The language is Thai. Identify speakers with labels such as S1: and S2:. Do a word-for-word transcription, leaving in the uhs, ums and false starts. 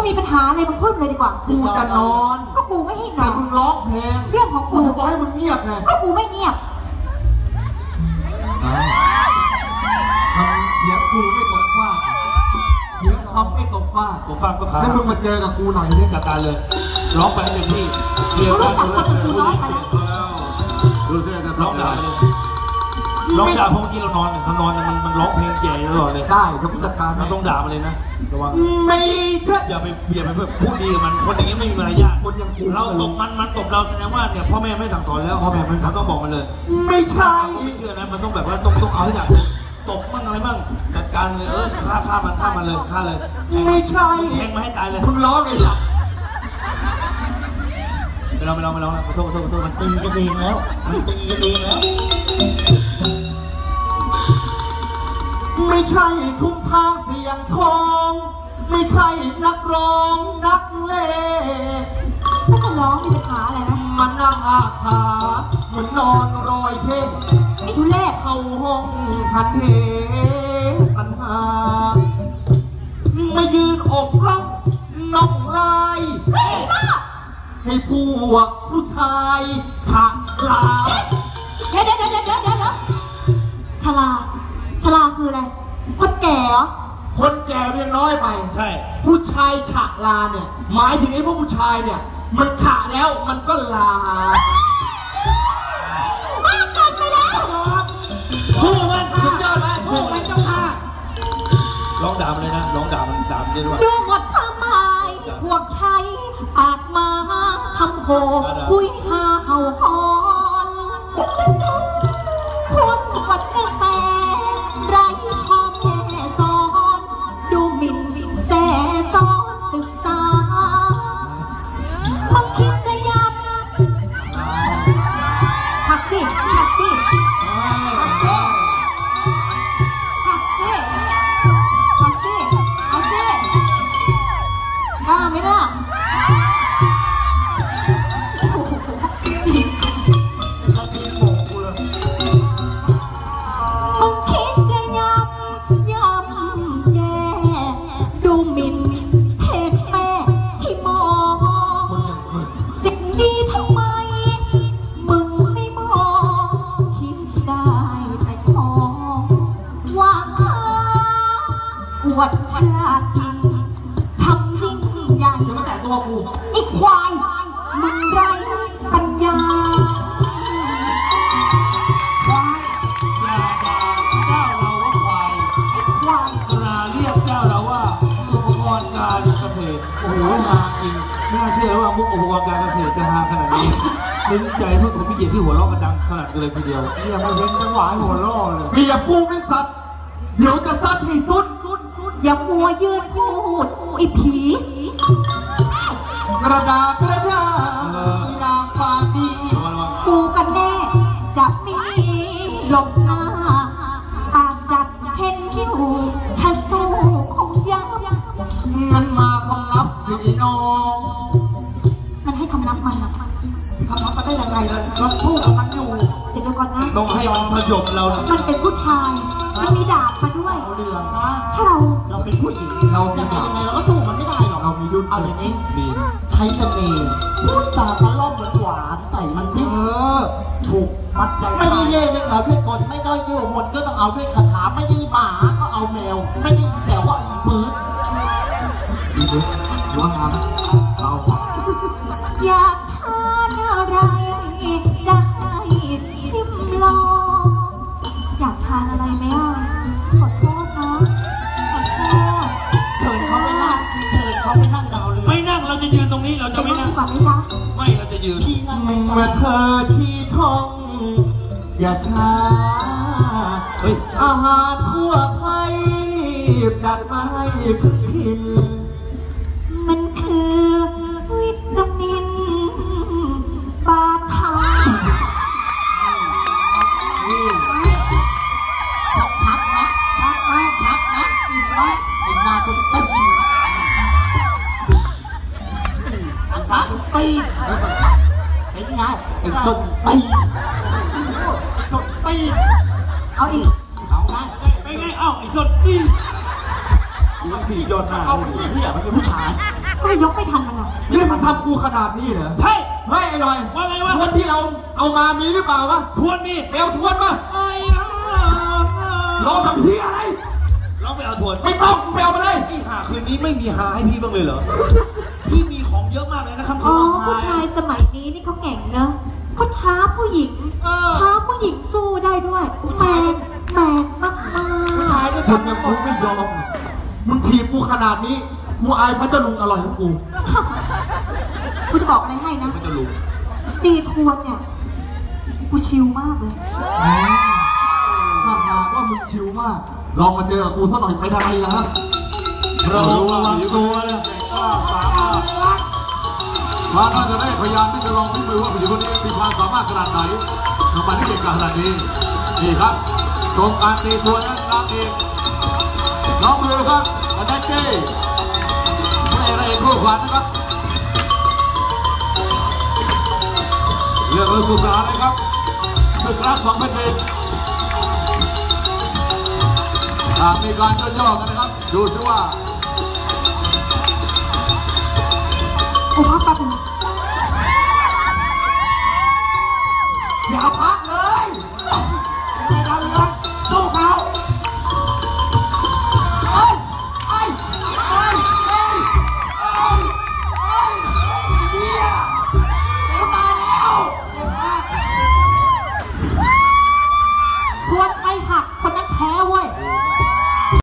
S1: มีปัญหาอะไรมึงพูดเลยดีกว่า
S2: กูจะนอน
S1: ก็กูไม่ให้นอน
S2: แต่มึงร้องเพลง
S1: เรื่องของกู
S2: จะบอกให้มึงเงียบไง
S1: ก็กูไม่เงียบ
S2: ทำเสียงกูไม่ตกว่าเสียงคำไม่ตกว่า
S3: กูฟังก็ขาด
S2: แล้วมึงมาเจอกับกูหน่อยเนี่ยจัดการเลย
S3: ร้องไปให้เต็มที่
S1: เสียงรู้จักคนกูน้อยไปแล้ว
S2: ดูสิจะ
S3: ร้องด่าร้องด่าเพราะเมื่อกี้เรานอนเนี่ยเรานอนมันมันร้องเพลงแก่ตลอดเลย
S2: ได้เดี๋ยวกูจัดการ
S3: เราต้องด่ามันเลยนะระวัง
S2: ไม่ใช่
S3: อย่าไปอย่าไปพูดดีกับมันคนอย่างนี้ไม่มีมารยาท
S2: คนอย่างกู
S3: เราตบมันมันตบเราแสดงว่าเนี่ยพ่อแม่ไม่สั่งสอนแล้วพ่อแม่มันต้องบอกมันเลย
S2: ไม่ใช่
S3: ไม่เชื่อนะมันต้องแบบว่าต้องต้องเอาให้หนักตบมั่งอะไรมั่งจัดการเลยเออฆ่าฆ่ามันฆ่ามันเลยฆ่าเลย
S2: ไม่ใช่
S3: แทงมาให้ตายเลย
S2: มึงร้องเลยจ้ะ
S3: ไม่ร้องไม่ร้องไม่ร้องขอโทษขอโทษขอโทษมันตีกันเองแล้วมันตีกันเองแล้ว
S2: ไม่ใช่ทุ่งทางเสียงทองไม่ใช่นักร้องนักเล่
S1: ก็จะร้องมีปัญหาอะไรนะ
S2: มันนั่งอาขาเหมือนนอนรอยเพ่ง
S1: ไอ้ทุเรศ
S2: เข้าห้องทันเหปัญหามายืนอกร้องน้องลาย
S1: เฮ้ยบ้า
S2: ให้พวกผู้ชายฉะลา
S1: เดี๋ยวเดี๋ยวเดี๋ยวเดี๋ยวเดี๋ยวฉลาฉลาคืออะไรคนแก่เหรอ
S2: คนแก่เรียงน้อยไป
S3: ใช่
S2: ผู้ชายฉะลาเนี่ยหมายถึงไอ้พวกผู้ชายเนี่ยมันฉะแล้วมันก็ลา
S1: บ้าเกินไปแล้ว
S3: สู้มัน
S2: สุดยอดเลยสู้มันเจ้าค่ะ
S3: ร้องด่ามันเลยนะร้องด่ามันด่ามันเลยว่า
S1: ดูหมดทำไมพวกชายปากมาทำโหคุยหาเห่าหอนพูดสวัสดิ์กระแสไรพ่อแม่สอนดูหมิ่นแสซ้อนศึกษามึงคิดได้ยังหักสิหักสิหักสิหักสิหักสิเอาสิกล้าไหมล่ะอวดฉลาดยิ่งทำยิ่งใหญ่
S2: จะมาแตะตัวกู
S1: ไอ้ควายมึงไรปัญญา
S3: ควายอย่าด่าเจ้าเราว่าควาย
S1: ไอ้ควาย
S3: กราเรียกเจ้าเราว่าอุปกรณ์การเกษตรโอ้โหฮาจริงไม่น่าเชื่อว่ามุกอุปกรณ์การเกษตรจะฮาขนาดนี้ซึ้งใจเพื่อนผมพี่เกียรติที่หัวเราะกันดังขนาดเลยทีเดียว
S2: อย่ามาเว้นจังหวะหัวเราะเลยเรียบปูไม่สัตว์เดี๋ยวจะซัดให้สุด
S1: อย่ามัวยืนพูดไอ้ผี
S2: กระดาษกระดาษนางปาดี
S1: กูกันแน่จะมีหลบหน้าปากจัดเห็นอยู่ถ้าสู้คงยับ
S2: มันมาคำนับสิน้อง
S1: มันให้คำนับมันนะ
S2: คำนับมันได้ยังไงล่ะเราสู้กับมันอยู่
S1: ติดดูก่อนนะ
S3: ต้องให้มันสยบเรานะ
S1: มันเป็นผู้ชายมันมีดาบมาด้วย
S2: เอาเรื่องนะ
S1: ถ้าเรา
S3: เราเป็นผู้หญิง
S2: เราจะยังไงเราก็สู้มันไม่ได้หรอกเรามีดุล
S3: เอาอย่างนี้ดี
S2: ใช้เสน่ห์พูดจาตะล่อมหวานใส่มันสิเออถูกมัดใจ
S4: ไม่ได้เล่นด้วยเอาด้วยกลไม่ได้โยมนก็ต้องเอาด้วยคาถาไม่ได้หมาก็เอาแมวไม่ได้แต่ว่าอีมือ
S2: อีมือว่างานเรา
S1: อยากทานอะไรจะให้ชิมลองอยากทานอะไรไหมอ่ะขอโทษนะขอโทษ
S4: เชิญเขาไปนั่งเชิญเขาไปนั่งดาวเลย
S3: ไม่นั่งเราจะยืนตรงนี้เราจะไม่นั่ง
S1: ก่อนไหมจ๊ะ
S3: ไม่เราจะยืน
S4: พี่นั่ง
S2: เมื่อเธอชี้ท้องอย่าช้า
S3: เฮ้ย
S2: อาหารทั่วไทยจัดมาให้ถึงถิ่น
S1: มันคือวิตามินบาทา
S4: ชัดไหมชัดไหมชัดไหมอีกไหมไอ้นาจนตีไอ้นาจนตีเป็นไงไอ้จนตีไอ้จนตี
S1: เอาอีก
S4: เอาไง
S3: เป็นไงเอ้าไอ้จนตี
S2: ผียอดหน้า
S4: เอาไปตีเนี่ยมันเป็นผู้ชาย
S1: เรายกไม่ทันมันหรอก
S2: นี่มันทำกูขนาดนี้เหรอ
S3: ใช่
S2: เฮ้ยไอ้หน่อย
S3: ว่าไงวะ
S2: ทวนที่เราเอามามีหรือเปล่าวะ
S3: ทวนมี
S2: ไปเอาทวนมา
S3: ไอ้
S2: รอทำพี่อะไร
S3: เราไปเอาทวน
S2: ไม่ต้องมึงไปเอามาเลย
S3: ไอ้หาคืนนี้ไม่มีหาให้พี่บ้างเลยเหรอ พี่มีของเยอะมากเลยนะครับ
S1: อ๋อผู้ชายสมัยนี้นี่เขาเก่งเนอะเขาท้าผู้หญิงท้าผู้หญิงสู้ได้ด้วยแมนแมนมากๆ
S2: ผู้ชายด้วยกันอย่างกูไม่ยอมมึงถีบกูขนาดนี้กูอายพระเจ้าลุงอร่อยของกู
S1: กูจะบอกอะไรให้นะ
S3: มันจะรู้
S1: ตีทวนเนี่ยกูชิลมากเลย
S2: ถ้าหากว่ามึงชิวมาก ลองมาเจอกับกูสักหน่อยไปทำไมล่ะครับ
S3: เราระวังตัวนะ
S5: สามารถพาน่าจะได้พยายามที่จะลองพิสูจน์ว่าผู้หญิงคนนี้มีความสามารถขนาดไหนทำไมที่เก่งขนาดนี้นี่ครับชมการตีตัวนั้นนางเอกน้องเรือครับอันนั้นเจ้พระเอกนางเอกคู่ขวัญนะครับเรื่องรถสุสานเลยครับศึกรักสองแผ่นดินหากมีการย่อๆกันนะครับดูซิว่า
S1: กูพักแป๊บนึง